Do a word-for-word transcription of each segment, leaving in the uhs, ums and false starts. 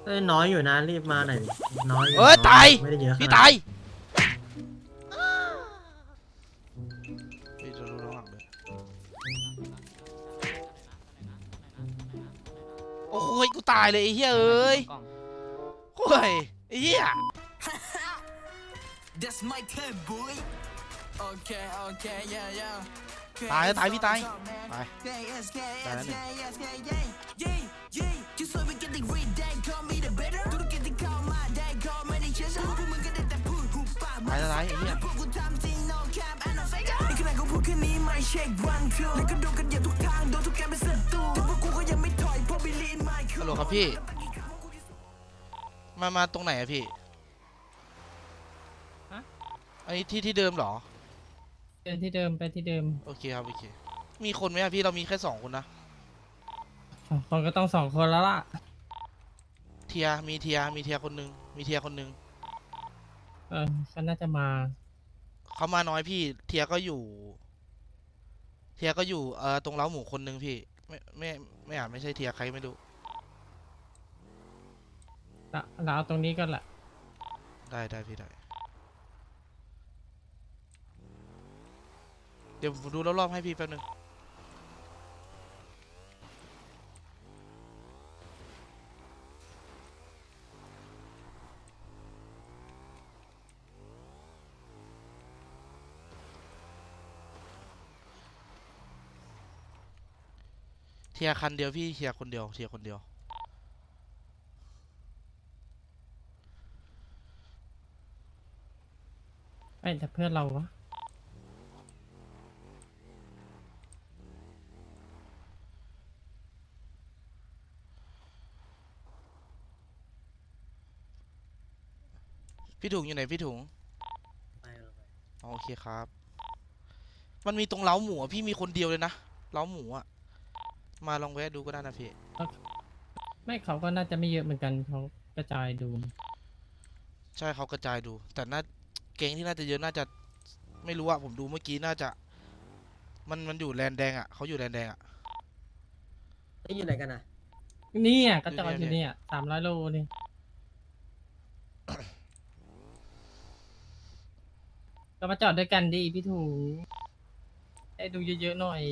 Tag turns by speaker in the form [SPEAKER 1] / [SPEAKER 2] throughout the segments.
[SPEAKER 1] เอ้ยน้อยอยู่นะรีบมาหน่อยดิน้อยอยู่
[SPEAKER 2] เอ้ย
[SPEAKER 1] น้
[SPEAKER 2] ตาย
[SPEAKER 1] ไม่ได้เยอะข
[SPEAKER 2] พี่
[SPEAKER 1] นาด
[SPEAKER 2] ตาย
[SPEAKER 1] นั้น
[SPEAKER 2] พี่จะดูระหว่างเลยโอ้ยกูตายเลยไอ้เหี้ยเอ้ยโอ้ยไอ้เหี้ย
[SPEAKER 3] That's my turn, boy. Okay, okay, yeah, yeah.
[SPEAKER 2] ตายแล้วตายพี่ตายตาย
[SPEAKER 3] Yeah, yes, yeah,
[SPEAKER 2] ตายแล้ว
[SPEAKER 3] yes,
[SPEAKER 2] หนึ่ง
[SPEAKER 3] yeah, yes, yeah, yeah. Yeah, yeah. Just so we get the read that, call me the better. Do the get the call my dad, call me the chest. พวกมึงก็ได้แต่พูดหูปาก
[SPEAKER 2] ตายแล้วตายไอ้เหี้ย
[SPEAKER 3] พวกกูทำจริง no cap and no fake. นี่ขนาดกูพูดแค่นี้ไม่เช็ค one two แล้วก็โดนกันอย่างทุกทางโดนทุกแกเป็นศัตรูแต่พวกกูก็ยังไม่ถอยเพราะ believe in my
[SPEAKER 2] ฮัลโหลครับพี่มามาตรงไหนอะพี่
[SPEAKER 4] ฮะ
[SPEAKER 2] อันนี้ที่ที่เดิมเหรอ
[SPEAKER 4] เดินที่เดิมไปที่เดิม
[SPEAKER 2] โอเคครับโอเคมีคนไหมอะพี่เรามีแค่สองคนนะ
[SPEAKER 4] สองคนก็ต้องสองคนแล้วล่ะ
[SPEAKER 2] เทียมีเทียมีเทียคนหนึงมีเทียคนหนึง
[SPEAKER 4] เออก็น่าจะมา
[SPEAKER 2] เขามาน้อยพี่เทียก็อยู่ เทียก็อยู่เอ่อตรงเล้าหมูคนหนึงพี่ไม่ไม่ไม่อาจไม่ใช่เทียใครไม่รู้
[SPEAKER 4] เราเราเอาตรงนี้ก็แหละ
[SPEAKER 2] ได้ได้พี่ได้เดี๋ยวผมดูรอบๆให้พี่แป๊บนึงเทียคันเดียวพี่เทียคนเดียวเทียคนเดียว
[SPEAKER 4] ไอ้แต่เพื่อนเราวะ
[SPEAKER 2] พี่ถุงอยู่ไหนพี่ถุง
[SPEAKER 1] ไปเอาไป
[SPEAKER 2] อ๋อโอเคครับ มันมีตรงเล้าหมูอะพี่มีคนเดียวเลยนะเล้าหมูอะมาลองแวะดูก็ได้นะพี่
[SPEAKER 4] ไม่เขาก็น่าจะไม่เยอะเหมือนกันเขากระจายดู
[SPEAKER 2] ใช่เขากระจายดู แต่น่าเกงที่น่าจะเยอะน่าจะไม่รู้อะผมดูเมื่อกี้น่าจะ มันมันอยู่แลนแดงอะเขาอยู่แลนแดงอะ
[SPEAKER 1] นี่อยู่ไหนกันนะ
[SPEAKER 4] นี่อ่ะกระจาย
[SPEAKER 2] อ
[SPEAKER 4] อยู่ ยู่
[SPEAKER 2] เนี่
[SPEAKER 4] เนี่ย ยสามร้อยโลนี่ก็มาจอดด้วยกันดิพี่ถูได้ดูเยอะๆหน่อย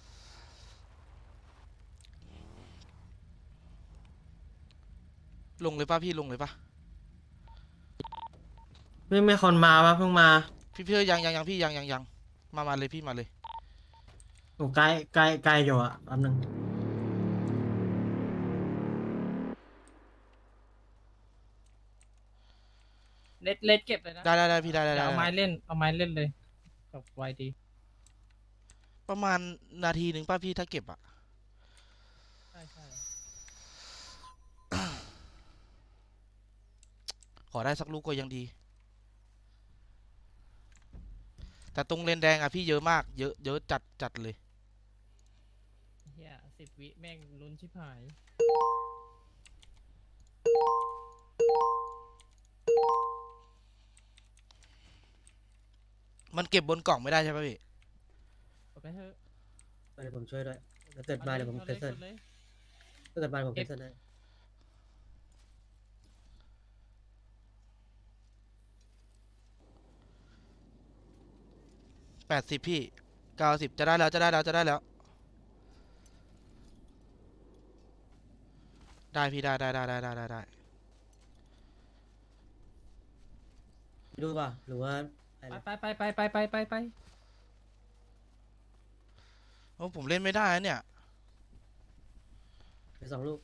[SPEAKER 2] ลงเลยป่ะพี่ลงเลยป่ะ
[SPEAKER 1] ไม่ไม่คนมาปะเพิ่งมา
[SPEAKER 2] พี่เพื่อยังยังยังพี่ยังยังยังมามาเลยพี่มาเลย
[SPEAKER 1] หนูใกล้ใกล้ใกล้อยู่อ่ะแป๊บนึง
[SPEAKER 4] เล็ดเล็ดเก็บเลยนะ
[SPEAKER 2] ได้ได้ได้พี่ได้ได้
[SPEAKER 4] เดี๋ยว
[SPEAKER 2] ได้
[SPEAKER 4] เอาไม้เล่นเอาไม้เล่นเลยกับไวดี
[SPEAKER 2] ประมาณนาทีหนึ่งป่ะพี่ถ้าเก็บอะ
[SPEAKER 4] ใช่ใช่
[SPEAKER 2] ขอได้สักลูกก็ยังดี แต่ตรงเลนแดงอะพี่เยอะมากเยอะเยอะจัดจัดเลย
[SPEAKER 4] เฮียสิบวิแม่งลุ้นชิบหาย
[SPEAKER 2] มันเก็บบนกล่องไม่ได้ใช่ป่ะพี่
[SPEAKER 4] กดไปเถอะ
[SPEAKER 1] เดี๋ยวผมช่วยด้วยถ้าเกิดมาเดี๋ยวผม
[SPEAKER 4] อา
[SPEAKER 1] เคนเซิล
[SPEAKER 4] กดเลย
[SPEAKER 1] ถ้าเกิดมาผมเคนเซิลให้
[SPEAKER 2] แปดสิบพี่เก้าสิบจะได้แล้วจะได้แล้วจะได้แล้ว ได้พี่ได้ได้ได้ได้ได้ได้ได้
[SPEAKER 1] ดูป่ะหรือว่าอะไร
[SPEAKER 4] ไปไปไปไปไปไปไป
[SPEAKER 2] โอ้ผมเล่นไม่ได้นะเนี่ย
[SPEAKER 1] ไปสองลูก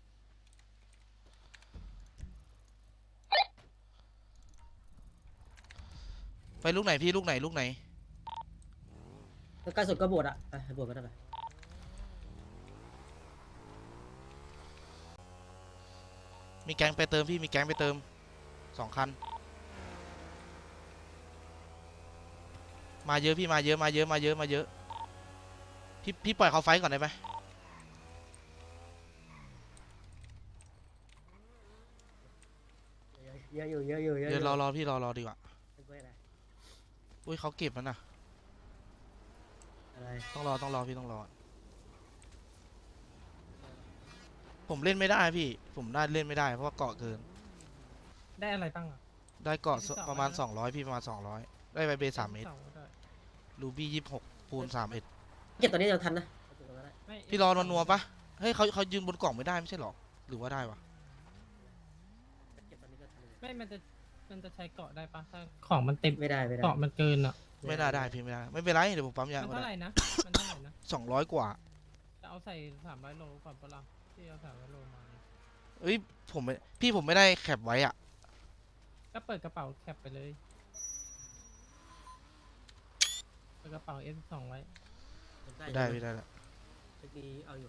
[SPEAKER 2] ไปลูกไหนพี่ลูกไหนลูกไหน
[SPEAKER 1] ถ้าใกล้สุดก็บวชอ่ะไปบวชก็ได้ไป
[SPEAKER 2] มีแก๊งไปเติมพี่มีแก๊งไปเติมสองคัน มาเยอะพี่มาเยอะมาเยอะมาเยอะมาเยอะพี่พี่ปล่อยเขาไฟท์ก่อนได้ไหม
[SPEAKER 1] เยอะอยู่เยอะอยู่เยอะอ
[SPEAKER 2] เดี๋ยว
[SPEAKER 1] ยู่
[SPEAKER 2] รอรอพี่รอรอดีกว่า
[SPEAKER 1] ไม่เป็นไร
[SPEAKER 2] อุ้ยเขาเก็บแล้วนะ
[SPEAKER 1] อะไร
[SPEAKER 2] ต้องรอต้องรอพี่ต้องรอผมเล่นไม่ได้พี่ ผมน่าเล่นไม่ได้เพราะว่าเกาะเกิน
[SPEAKER 4] ได้อะไรบ้างอ่ะ
[SPEAKER 2] ได้เกาะ
[SPEAKER 4] ยี่สิบสอง
[SPEAKER 2] ประมาณ
[SPEAKER 4] นะ
[SPEAKER 2] สองร้อยพี่ประมาณสองร้อยได้ไวเบสามเมตร
[SPEAKER 4] สองก็ได้
[SPEAKER 2] รูบี้ยี่สิบหกปูนสามเอ็ด
[SPEAKER 1] เก็บตอนนี้ยังทันนะเอาเก็บตรงนั้นได้
[SPEAKER 4] ไม่
[SPEAKER 2] พี่รอนัวๆปะเฮ้ยเขาเขายืนบนกล่องไม่ได้ไม่ใช่หรอหรือว่าได้วะ
[SPEAKER 1] เก็บตอนนี้ก็ทันอยู่
[SPEAKER 4] ไม่มันจะมันจะใช้เกาะได้ปะถ้าของมันเต็ม
[SPEAKER 1] ไม่ได้ไม่ได้
[SPEAKER 4] เกาะมันเกินอ่ะ
[SPEAKER 2] ไม่น่าได้พี่ไม่ได้ไม่เป็นไรเดี๋ยวผมปั๊มยา
[SPEAKER 4] มัน
[SPEAKER 2] ก็
[SPEAKER 4] เท่าไห
[SPEAKER 2] ได้
[SPEAKER 4] ร่นะมันเท่าไหร่นะ
[SPEAKER 2] สองร้อยกว่า
[SPEAKER 4] จะเอาใส่สามร้อยโลก่อนปะล่ะที่เอาสามร้อยโลมา
[SPEAKER 2] เอ้ยผมไม่พี่ผมไม่ได้แคปไว้อะ
[SPEAKER 4] ก็เปิดกระเป๋าแคปไปเลยเปิดกระเป๋า เอส สองไว้
[SPEAKER 1] ผม
[SPEAKER 2] ได้
[SPEAKER 1] อยู่
[SPEAKER 2] พี่ได้ละ
[SPEAKER 1] เทคนี้เอาอยู่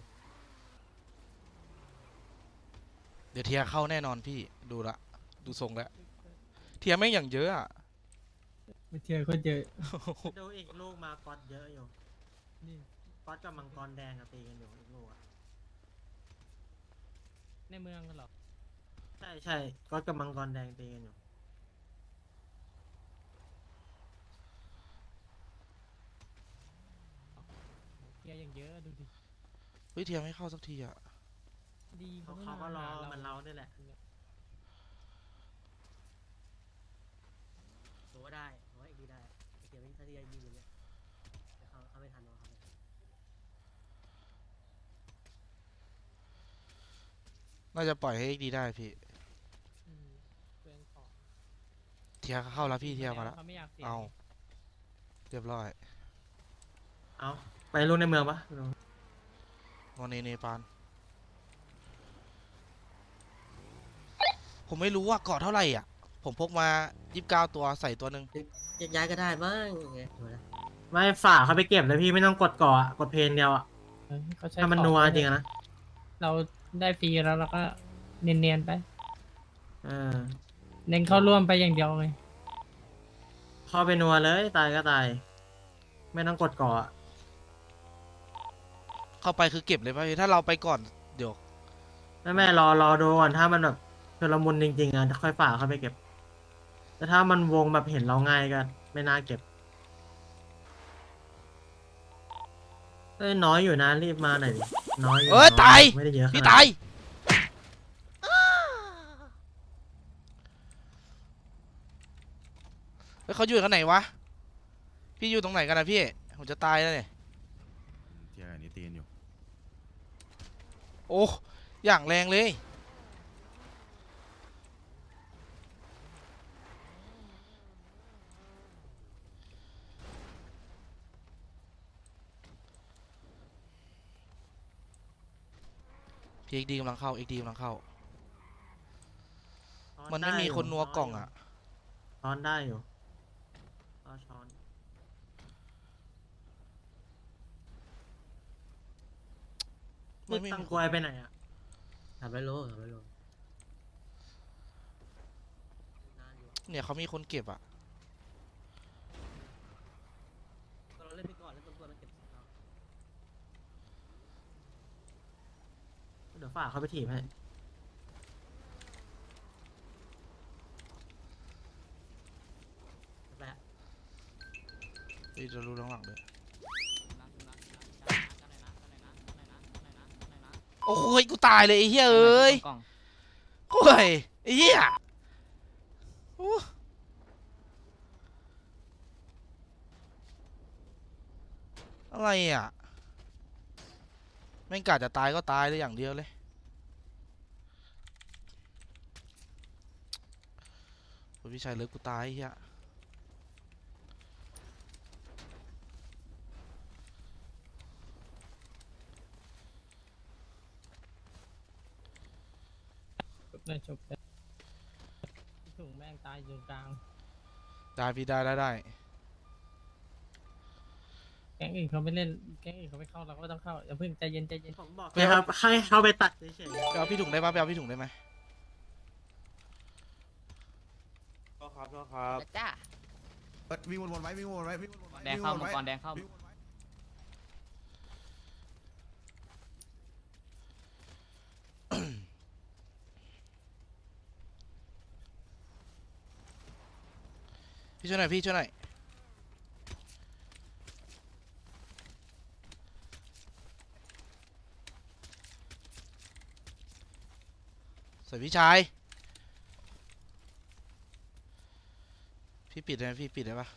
[SPEAKER 2] เดี๋ยวเทียร์เข้าแน่นอนพี่ดูละดูทรงแล้วเทียร์แม่งอย่างเยอะอะ
[SPEAKER 4] ไปเที่ยวคนเยอะ
[SPEAKER 1] ดูอีกลูกมาก๊อตเยอะอยู่
[SPEAKER 4] นี่
[SPEAKER 1] ก๊อตกับมังกรแดงอะตีกันอยู่อีกลูกอะ
[SPEAKER 4] ในเมืองกันเหรอ
[SPEAKER 1] ใช่ใช่ก๊อตกับมังกรแดงตีกันอยู่
[SPEAKER 4] เที่ยวอย่างเยอะดูดิ
[SPEAKER 2] เฮ้ยเทียร์ไม่เข้าสักทีอะ
[SPEAKER 4] ดี
[SPEAKER 1] เขา
[SPEAKER 4] ไม่
[SPEAKER 1] เขาก็รอ
[SPEAKER 4] ห
[SPEAKER 1] เหมือนเราด้วยแหละถือว่าได้ถือว่าอีกทีได้เกียร์วิ่งถ้าที่ยิงอยู่เนี่ยแต่เขาเขาไม่ทันเขาไม่ทัน
[SPEAKER 2] น่าจะปล่อยให้ดีได้พี่
[SPEAKER 4] อืมเปลืองของ
[SPEAKER 2] เทียร์เข้าแล้วพี่เทียร์มาแล้ว
[SPEAKER 4] เขาไม่อยากเสีย
[SPEAKER 2] เอาเรียบร้อย
[SPEAKER 1] เอาไปลูกในเมืองปะ
[SPEAKER 2] งอนเนเนปานผมไม่รู้ว่าเกาะเท่าไหร่อ่ะผมพกมายี่สิบเก้าตัวใส่ตัวหนึ่ง
[SPEAKER 1] แยกย้ายก็ได้บ้างไงไม่ฝากเขาไปเก็บเลยพี่ไม่ต้องกดก่ออะกดเพลงเดียวอะ
[SPEAKER 4] เออเขาใช้
[SPEAKER 1] ถ้ามัน
[SPEAKER 4] ของ
[SPEAKER 1] นัว
[SPEAKER 4] ไป
[SPEAKER 1] จริงอะนะ
[SPEAKER 4] เราได้ฟรีแล้วเราก็เนียนๆไป
[SPEAKER 1] เออ
[SPEAKER 4] เน้นเข้าร่วมไปอย่างเดียวเลย
[SPEAKER 1] เข้าไปนัวเลยตายก็ตาย ไม่ต้องกดก่ออะ
[SPEAKER 2] เข้าไปคือเก็บเลยป่ะพี่ถ้าเราไปก่อนเดี๋ยว
[SPEAKER 1] ไม่ไม่รอรอดูก่อนถ้ามันแบบชุลมุนจริงๆอะค่อยฝากเขาไปเก็บ แต่ถ้ามันวงแบบเห็นเราง่ายก็ไม่น่าเก็บเอ้ยน้อยอยู่นะรีบมาหน่อยดิน้อยอยู่
[SPEAKER 2] เอ้ย
[SPEAKER 1] น้
[SPEAKER 2] ตาย
[SPEAKER 1] ไม่ได้เยอะขนาด
[SPEAKER 2] พี่ตายเฮ้ยเขาอยู่กันไหนวะพี่อยู่ตรงไหนกันนะพี่ผมจะตายแล้วเนี่ย
[SPEAKER 5] เทียร์อันนี้ตีนอยู่
[SPEAKER 2] โอ้อย่างแรงเลยพี่เอ็กดีกำลังเข้าเอ็กดีกำลังเข้า
[SPEAKER 1] ช้อ
[SPEAKER 2] มันไม่
[SPEAKER 1] ด้
[SPEAKER 2] มี
[SPEAKER 1] อยู่
[SPEAKER 2] คนนัวกล่องอ่ะ
[SPEAKER 1] ช้อนได้อยู่เอาช้อน
[SPEAKER 2] มันไม่
[SPEAKER 1] ตัง
[SPEAKER 2] มี
[SPEAKER 1] กวยไปไหนอ่ะทำไรโลทำไรโล
[SPEAKER 2] เนี่ยเขามีคนเก็บอ่ะ
[SPEAKER 1] เราเล่นไปก่อนแล้วตัวมันเก็บเราเดี๋ยวฝากเขาไปถีบให้แปะ
[SPEAKER 2] พี่จะรู้ทั้งหลังเลยโอ้ยกูตายเลยไอ้เหี้ยเอ้ยโอ้ยไอ้เหี้ยโอ้อะไรอ่ะแม่งกะจะตายก็ตายเลยอย่างเดียวเลยโอ้ยพี่ชายเลิกกูตายไอ้เหี้ย
[SPEAKER 4] จบเลยจบเลยพี่ถุงแม่งตายอยู่กลาง
[SPEAKER 2] ได้พี่ได้ได้ได้
[SPEAKER 4] แก๊งอื่นเขาไม่เล่นแก๊งอื่นเขาไม่เข้าเราก็ต้องเข้าอย่าเพิ่งใจเย็นใจเย็น
[SPEAKER 1] ผมบอกให้ครับให้เขาไปตัดเฉย
[SPEAKER 2] ไปเอาพี่ถุงได้ปะไปเอาพี่ถุงได้ไหม
[SPEAKER 5] ก็ครับก็ครับ
[SPEAKER 6] จ้า
[SPEAKER 5] วิ่งวนๆไว้วิ่งวนๆไว้วิ่งวนๆไว้
[SPEAKER 6] แดงเข้ามังกรแดงเข้า
[SPEAKER 5] วิ่งวนๆไว้
[SPEAKER 2] พี่ช่วยหน่อยพี่ช่วยหน่อยสวยพี่ชายพี่ปิดได้ไหมพี่ปิดได้ปะ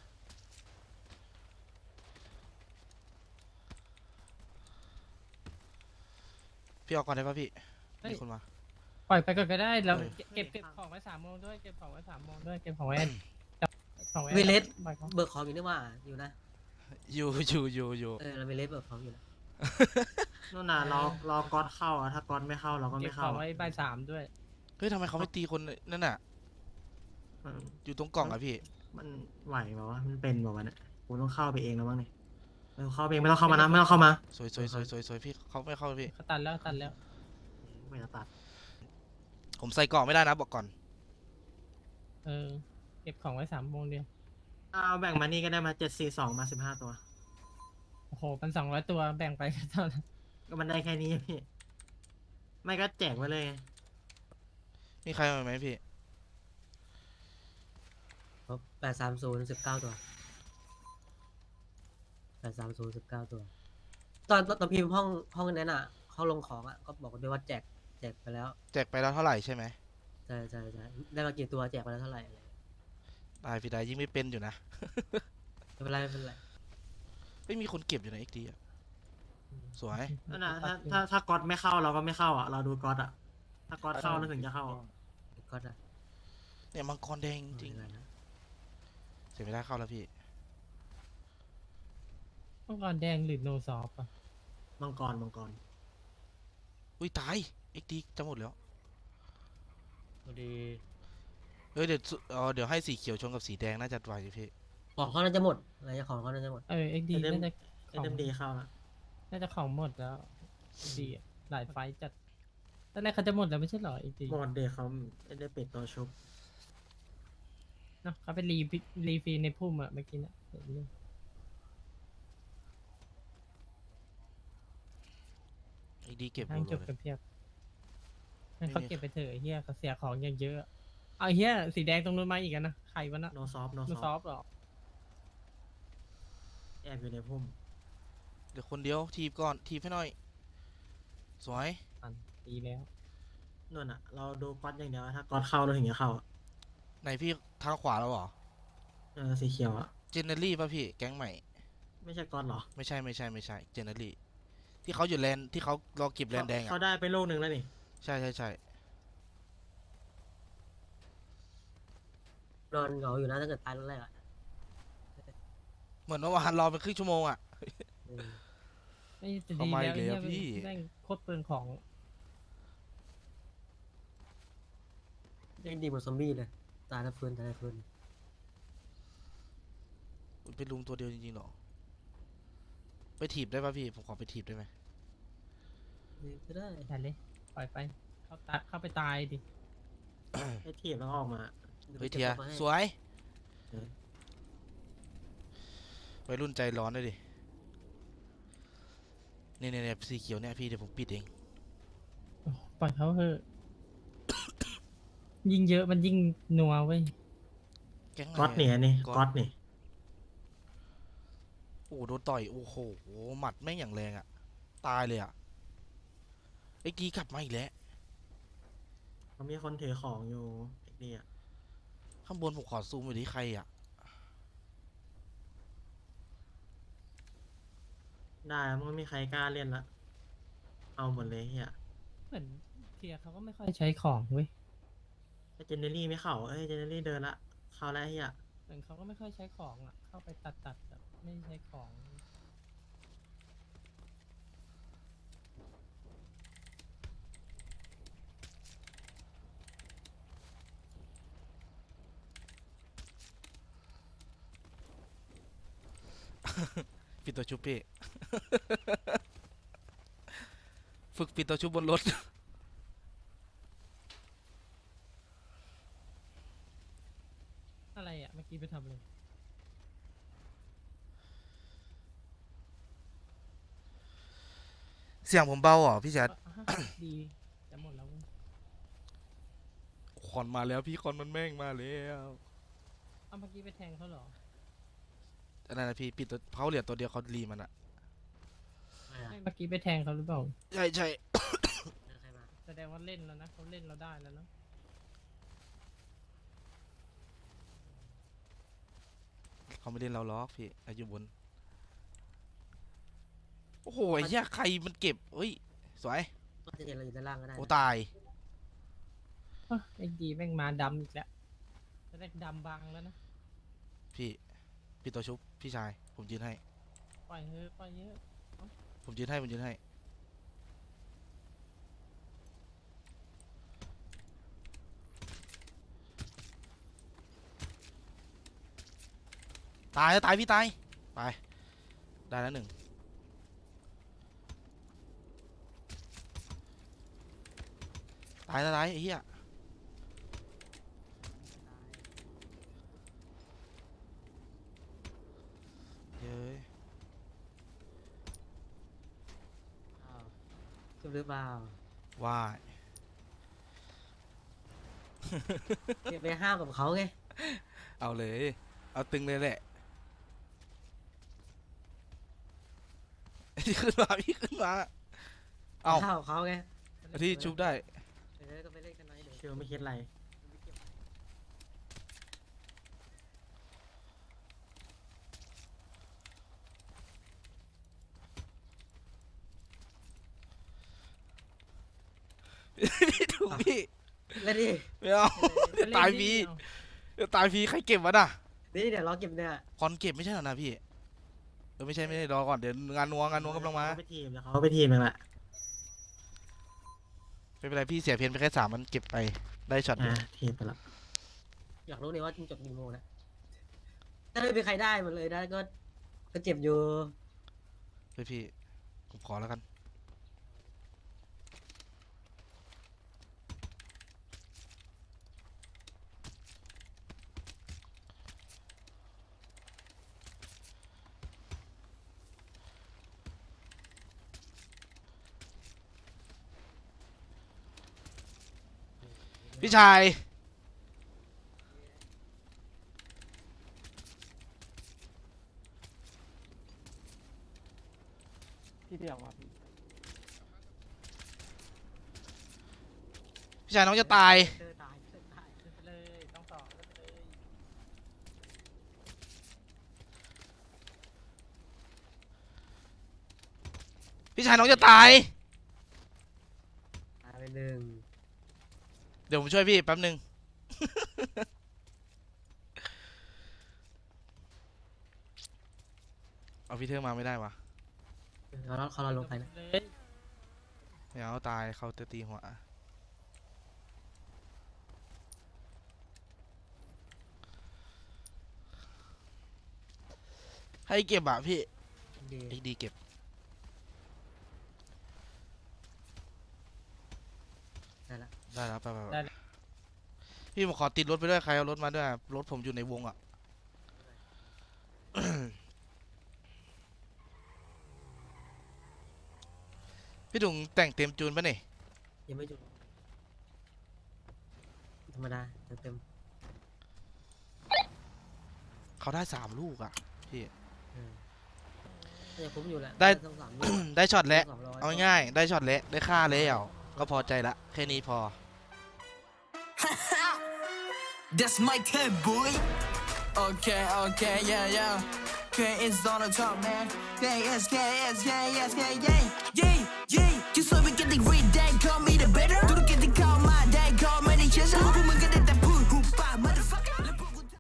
[SPEAKER 2] พี่เอาก่อนได้ปะพี่มีคนมา
[SPEAKER 4] ปล่อยไปก่อนก็ได้เรา
[SPEAKER 2] เออ
[SPEAKER 4] เก็บเก็บของไว้สามโมงด้วยเก็บของไว้สามโมงด้วยเก็บของไว้ของไว้
[SPEAKER 6] เวเลส
[SPEAKER 4] ปล่อยของ
[SPEAKER 6] เบิกของอยู่นี่ว่าอยู่นะ
[SPEAKER 2] อยู่อยู่อยู่อยู่
[SPEAKER 6] เออเราเวเลสเบิกของอยู่นะ
[SPEAKER 1] นู่นน่ะรอรอก๊อตเข้าอ่ะถ้าก๊อตไม่เข้าเราก็
[SPEAKER 4] เก็
[SPEAKER 1] ไม่
[SPEAKER 4] บข
[SPEAKER 1] เข้า
[SPEAKER 4] องไว้บ่ายสามด้วย
[SPEAKER 2] เฮ้ยทำไมเขาไม่ตีคนนั่นน่ะ
[SPEAKER 1] อืม
[SPEAKER 2] อยู่ตรงกล่องอะพี่
[SPEAKER 1] มันไหวเปล่าวะมันเป็นเปล่าวะเนี่ยกูต้องเข้าไปเองแล้วมั้งเนี่ยไม่ต้องเข้าไปเองไม่ต้องเข้ามานะไม่ต้องเข้ามา
[SPEAKER 2] สวยสวยสวยสวยสวยพี่เขาไม่เข้าพี่
[SPEAKER 4] เขาตัดแล้วตัดแล้ว
[SPEAKER 1] ไม่ต้องตัด
[SPEAKER 2] ผมใส่กล่องไม่ได้นะบอกก่อน
[SPEAKER 4] เออเก็บของไว้สามโมงเดียว
[SPEAKER 1] เอาแบ่งมานี่ก็ได้มาเจ็ดสี่สองมาสิบห้าตัว
[SPEAKER 4] โอ้โหมันสองร้อยตัวแบ่งไปก็เท่านั้น
[SPEAKER 1] ก็มันได้แค่นี้พี่ไม่ก็แจกไว้เลยไง
[SPEAKER 2] มีใครมาไหมพี่
[SPEAKER 6] แปดสามศูนย์สิบเก้าตัวแปดสามศูนย์สิบเก้าตัว ตอนตอนพิมพ์ห้องห้องนั้นอ่ะห้องลงของอ่ะก็บอกด้วยว่าแจกแจกไปแล้ว
[SPEAKER 2] แจกไปแล้วเท่าไหร่ใช่ไหม
[SPEAKER 6] ใช่ใช่ใช่ได้มากี่ตัวแจกไปแล้วเท่าไหร่อะไร
[SPEAKER 2] ได้พี่ได้ยิ่งไม่เป็นอยู่นะ
[SPEAKER 6] ไม่เป็นไรไม่เป็นไร
[SPEAKER 2] ไม่มีคนเก็บอยู่ในเอ็กดีอะสวย
[SPEAKER 1] นั่นน่ะถ้าถ้าถ้าก๊อตไม่เข้าเราก็ไม่เข้าอ่ะเราดูก๊อตอ่ะถ้าก๊อตเข้าเราถึงจะเข้า
[SPEAKER 6] ก็ได้
[SPEAKER 2] เนี่ยมังกรแดงจริง
[SPEAKER 6] ไม่เป็นไนะ
[SPEAKER 2] เสียไม่ได้เข้าแล้วพี่
[SPEAKER 4] มังกรแดงหรือโนซอฟอ่ะ
[SPEAKER 1] มังกรมังกร
[SPEAKER 2] อุ้ยตายเอ็กดีจะหมดแล้ว
[SPEAKER 6] พอดี
[SPEAKER 2] เฮ้ยเดี๋ยวสุเออเดี๋ยวให้สีเขียวชนกับสีแดงน่าจะไหวอยู่พี่
[SPEAKER 6] ของเขาน่าจะหมดอะไรจะของเขาน่าจะหมด
[SPEAKER 4] เออเอ็กดีน่าจะ
[SPEAKER 1] เอ็มดีเข้าละ
[SPEAKER 4] น่าจะของหมดแล้วดีอะหลายไฟต์จัดตอนแรกเขาจะหมดแล้วไม่ใช่เหรอเอ็กดี
[SPEAKER 1] หมดเดย์เขาไม่ได้ปิดตัวชุบ
[SPEAKER 4] เนาะเขาไปรีฟิรีฟีในพุ่มอะเมื่อกี้นะเห็นอยู่
[SPEAKER 2] เอ็กดีเก็บ
[SPEAKER 4] ทั้ง
[SPEAKER 2] หม
[SPEAKER 4] จ
[SPEAKER 2] ด
[SPEAKER 4] บ
[SPEAKER 2] เล
[SPEAKER 4] กั
[SPEAKER 2] ย
[SPEAKER 4] นเพียบให้
[SPEAKER 2] ไม่
[SPEAKER 4] เขา
[SPEAKER 2] มี
[SPEAKER 4] เก็บไปเถอะไอ้เฮียเขาเสียของอย่างเยอะอะเอาไอ้เฮียสีแดงตรงนู้นมาอีกอะนะใครวะนะ
[SPEAKER 1] โนซอฟโน
[SPEAKER 4] นู
[SPEAKER 1] ซ
[SPEAKER 4] ซ
[SPEAKER 1] อ
[SPEAKER 4] อ
[SPEAKER 1] ฟ
[SPEAKER 4] ฟเหรอ
[SPEAKER 1] แอบอยู่ในพุ่ม
[SPEAKER 2] เดี๋ยวคนเดียวทีบก่อนทีบให้หน่อย สวย
[SPEAKER 4] อันดีแล้ว
[SPEAKER 1] นู่นอ่ะเราดูก๊อตอย่างเดียวถ้าก๊อตเข้าเราถึงจะเข้าอะ
[SPEAKER 2] ไหนพี่ทางขวาแล้วเหรอ
[SPEAKER 1] เออสีเขียวอ่ะ
[SPEAKER 2] เจเนอรี่ป่ะพี่แก๊งใหม่
[SPEAKER 1] ไม่ใช่ก๊อตเหรอ
[SPEAKER 2] ไม่ใช่ไม่ใช่ไม่ใช่เจเนอรี่ที่เขาอยู่แลนด์ที่เขารอเก็บแลนด์แดง
[SPEAKER 1] เขา
[SPEAKER 2] อ่ะ
[SPEAKER 1] ได้ไปโลกหนึ่งแล้วนี่
[SPEAKER 2] ใช่ใช่ใช่
[SPEAKER 6] นอนเหงาอยู่นะถ้าเกิดตายแล้วแรกอ่ะ
[SPEAKER 2] เหมือนเมื่อวานรอเป็นครึ่งชั่วโมงอ่ะ
[SPEAKER 6] เออ
[SPEAKER 4] ไม่จะ
[SPEAKER 2] เขา
[SPEAKER 4] ดี
[SPEAKER 2] มา
[SPEAKER 4] แล้ว
[SPEAKER 2] อีก
[SPEAKER 4] ไอ้
[SPEAKER 2] แล้ว
[SPEAKER 4] เฮีย
[SPEAKER 2] พี่
[SPEAKER 4] แม่งโคตรเปลืองของ
[SPEAKER 6] ยังดีเหมือนซอมบี้เลยตายแล้วฟื้นตายแล้วฟื้น
[SPEAKER 2] อุ๊ยเป็นลุงตัวเดียวจริงๆเหรอไปถีบได้ป่ะพี่ผมขอไปถีบได้ไหม
[SPEAKER 6] นี่ก็ได้
[SPEAKER 4] อย่าเลยปล่อยไปเข้าตาเข้าไปตายดิ
[SPEAKER 1] ให้ทีบแล้วก็ออกมา
[SPEAKER 2] เฮ้ยเทียสวยวัยรุ่นใจร้อนเลยดิเนี่ยเนี่ยเนี่ยสีเขียวเนี่ยพี่เดี๋ยวผมปิดเอง
[SPEAKER 4] โอ้ปล่อยเขาเถอะ ยิ่งเยอะมันยิ่งนัวเว้ย
[SPEAKER 2] แก๊งไหน
[SPEAKER 1] ก๊อตเนี่ยนี่
[SPEAKER 2] ก๊อต
[SPEAKER 1] ก๊อตนี่
[SPEAKER 2] โอ้โหโดนต่อยโอ้โหหมัดแม่งอย่างแรงอ่ะตายเลยอ่ะไอ้กีกลับมาอีกแล้ว
[SPEAKER 1] เขามีคนถือของอยู่ไอ้นี่อ่ะ
[SPEAKER 2] ข้างบนผมขอซูมไปที่ใครอ่ะ
[SPEAKER 1] ได้มันไม่มีใครกล้าเล่นละเอาหมดเลยเฮีย
[SPEAKER 4] เหมือนเทียเขาก็ไม่ค่อยใช้ของเว้ย
[SPEAKER 1] ไอ้เจเนอรี่ไม่เข้าเอ้ยเจเนอรี่เดินละเข้าแล้วเฮีย
[SPEAKER 4] เหมือนเขาก็ไม่ค่อยใช้ของอ่ะ เข้าไปตัดตัดแบบไม่ใช้ของ
[SPEAKER 2] ปิดตัวชุบพี่ ฝึกปิดตัวชุบบนรถ
[SPEAKER 4] อะไรอ่ะเมื่อกี้ไปทำเลย
[SPEAKER 2] เสียงผมเบาเหรอพี่แจ๊ด
[SPEAKER 4] ดีจะหมดแล้วเว้ย
[SPEAKER 2] คอนมาแล้วพี่คอนมันแม่งมาแล้ว
[SPEAKER 4] เอาเมื่อกี้ไปแทงเขาเหรอ
[SPEAKER 2] อันนั้นนะพี่ปิดตัวเขาเหลือตัวเดียวเขารีมันอ่ะ
[SPEAKER 6] ไม่อะ
[SPEAKER 4] ไม่เมื่อกี้ไปแทงเขาหรือเปล่า
[SPEAKER 2] ใช่ใช่
[SPEAKER 6] ใครมา
[SPEAKER 4] แสดงว่าเล่นแล้วนะเขาเล่นเราได้แล้วนะ
[SPEAKER 2] เขาไม่เล่นเราล็อกพี่เราอยู่บนโอ้โหไอ้เหี้ยใครมันเก็บเฮ้ยสวย
[SPEAKER 6] ก็จะเห็นเราอยู่ด้านล่างก็ได้
[SPEAKER 2] โอ้
[SPEAKER 6] นะ
[SPEAKER 2] ตาย
[SPEAKER 4] อ่ะไอ้ดีแม่งมาดำอีกแล้วจะได้ดำบังแล้วนะ
[SPEAKER 2] พี่พี่ตัวชุบพี่ชายผมยืนให้
[SPEAKER 4] ปล่อยเฮ้ยปล่อยเยอะ
[SPEAKER 2] ผมยืนให้ผมยืนให้ตายแล้วตายพี่ตายไปได้แล้วหนึ่งตายแล้วตายไอ้เหี้ยเย้ย
[SPEAKER 6] อ้าวชุบหรือเปล่า
[SPEAKER 2] ว่าย
[SPEAKER 6] เก็บไปห้าวกับเขาไง
[SPEAKER 2] เอาเลยเอาตึงเลยแหละ พี่ขึ้นมาพี่ขึ้นมาเอา
[SPEAKER 6] ห้าวกับเขาไง
[SPEAKER 2] เอาที่ชุบได้
[SPEAKER 6] เออก็ไปเล่นกันหน่อยเดี๋ยว
[SPEAKER 1] ชิวไม่คิดอะไร
[SPEAKER 2] พี่ถูกพี่
[SPEAKER 6] เล่นดิ
[SPEAKER 2] ไม่เอาเดี๋ยวตายฟรีเดี๋ยวตายฟรีใครเก็บวะน่ะ
[SPEAKER 6] นี่เดี๋ยวรอเก็บเนี่ย
[SPEAKER 2] คอนเก็บไม่ใช่เหรอนะพี่เออไม่ใช่ไม่ใช่รอก่อนเดี๋ยวงานนัวงานนัวกำลังมา
[SPEAKER 1] เขไปทีมเดี๋ยวเขาไปทีมเองแหละ
[SPEAKER 2] ไม่เป็นไรพี่เสียเพียนไปแค่สามมันเก็บไปได้ช็อตเดียว
[SPEAKER 1] อ่าทีมไปละ
[SPEAKER 6] อยากรู้เลยว่าจบกี่โมงนะถ้าไม่มีใครได้หมดเลยได้ก็ก็เจ็บอยู่
[SPEAKER 2] เฮ้ยพี่ผมขอแล้วกันพี่ชาย
[SPEAKER 4] พี่เดียวว่ะพี่
[SPEAKER 2] พี่ชายน้องจะตาย
[SPEAKER 6] เจอตายเจอตาย
[SPEAKER 4] เล่นไปเลยต้องต่อเล่นไปเลย
[SPEAKER 2] พี่ชายน้องจะตาย
[SPEAKER 6] ตายไปหนึ่ง
[SPEAKER 2] เดี๋ยวผมช่วยพี่แป๊บหนึ่ง เอาพี่เทอร์มาไม่ได้วะ
[SPEAKER 6] เขาเราเขาเราลงไปนะ
[SPEAKER 4] เลย
[SPEAKER 2] ไม่เอาตายเขาจะตีหัวให้เก็บอะพี่
[SPEAKER 6] ดี
[SPEAKER 2] ไอ้ดีเก็บ
[SPEAKER 6] ได้ละ
[SPEAKER 2] ได้แล้วไปไปไป
[SPEAKER 4] ได้แล้ว
[SPEAKER 2] พี่ผมขอติดรถไปด้วยใครเอารถมาด้วยรถผมอยู่ในวงอ่ะ พี่ถุงแต่งเต็มจูนปะเนี่ย
[SPEAKER 6] ยังไม่จุดธรรมดาเต็มเต็ม
[SPEAKER 2] เขาได้สามลูกอ่ะพี่
[SPEAKER 6] ๆเออน่าจะคุ้มอยู่แหละ
[SPEAKER 2] ได้
[SPEAKER 6] ต้องสาม
[SPEAKER 2] ได้ช็อตแล้ว
[SPEAKER 6] สองร้อย
[SPEAKER 2] เอาง่ายๆได้ช็อตแล้วได้ค่าแล้วก็พอใจละแค่นี้พอ
[SPEAKER 3] That's my cat boy. Okay, okay, yeah, yeah. K is on the top, man. K is, K is, K is, K, yeah, yeah, yeah. You saw me getting red, that call me